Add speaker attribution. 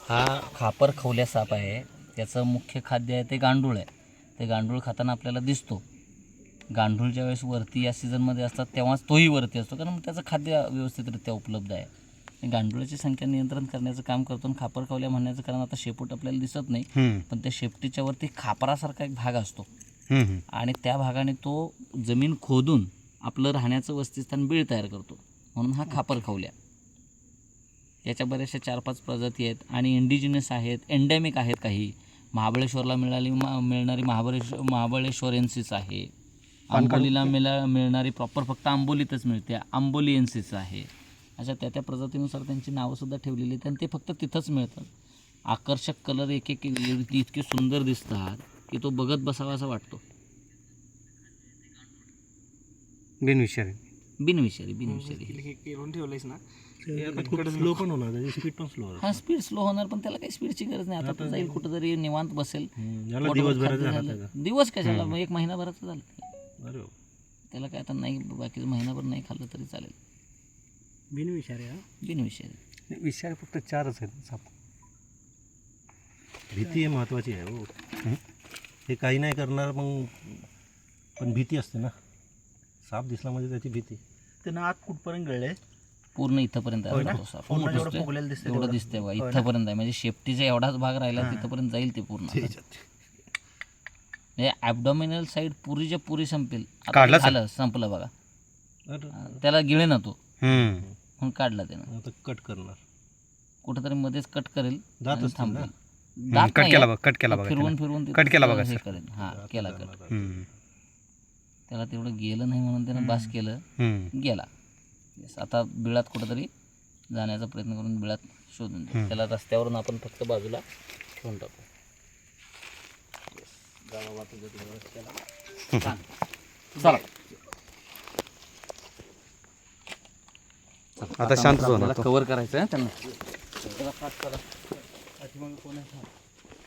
Speaker 1: हा खापर खवल्या साप आहे. त्याचं मुख्य खाद्य आहे ते गांडूळ आहे. ते गांडूळ खाताना आपल्याला दिसतो. गांडूळ ज्यावेळेस वरती या सीझनमध्ये असतात तेव्हाच तोही वरती असतो, कारण त्याचं खाद्य व्यवस्थितरित्या उपलब्ध आहे. गांडुळाची संख्या नियंत्रण करण्याचं काम करतो. आणि खापर खवल्या म्हणण्याचं कारण आता शेपूट आपल्याला दिसत नाही, पण त्या शेपटीच्या वरती खापरासारखा एक भाग असतो आणि त्या भागाने तो जमीन खोदून आपलं राहण्याचं वसतिस्थान बीळ तयार करतो, म्हणून हा खापर खवल्या. याच्या बऱ्याचशा 4-5 प्रजाती आहेत आणि इंडिजिनस आहेत, एंडेमिक आहेत. काही महाबळेश्वरला मिळणारी महाबळेश्वरेन्सिस आहे. आंबोलीला मिळणारी प्रॉपर फक्त आंबोलीतच मिळते, आंबोलिएन्सिस आहे. अशा त्या प्रजातीनुसार त्यांची नावंसुद्धा ठेवलेली आहेत आणि ते फक्त तिथंच मिळतात. आकर्षक कलर एक इतके सुंदर दिसतात की तो बघत बसावा असा वाटतो. बिनविषारी
Speaker 2: ठेवलंयस ना, स्लो पण होणार, त्याची स्पीड पण स्लो.
Speaker 1: हा, स्पीड स्लो होणार, पण त्याला काही स्पीडची गरज नाही. आता जाईल कुठंतरी निवांत बसेल. दिवस कशाला, 1 महिनाभराचं झालं. त्याला काय आता नाही, बाकी महिनाभर नाही खाल्लं तरी चालेल. बिनविषारी
Speaker 2: विषारी फक्त 4च आहेत साप. भीती महत्वाची आहे हो. हे काही नाही करणार, मग पण भीती असते ना. साप दिसला म्हणजे त्याची भीती.
Speaker 3: त्यानं आत कुठपर्यंत गळले?
Speaker 1: पूर्ण इथंपर्यंत आहे. एवढं दिसतंय बघा, इथंपर्यंत आहे. म्हणजे शेपटीचा एवढाच भाग राहिला, तिथंपर्यंत जाईल ते पूर्ण. म्हणजे ॲबडॉमिनल साईड पुरीच्या पुरी संपेल. झालं, संपलं बघा. त्याला गिळे ना तो, म्हणून काढला त्यानं.
Speaker 2: कट करणार,
Speaker 1: कुठंतरी मध्येच कट करेल, थांबेल. फिरवून
Speaker 4: कट केला बघा
Speaker 1: हे करेल. हा, केला कट. त्याला तेवढं गेलं नाही म्हणून त्यानं बास केलं, गेला. आता बिळात कुठंतरी जाण्याचा प्रयत्न करून बिळात शोधून देऊ. त्याला रस्त्यावरून आपण फक्त बाजूला ठेवून टाकू. चला,
Speaker 4: आता शांत
Speaker 1: कव्हर करायचं आहे त्यांना.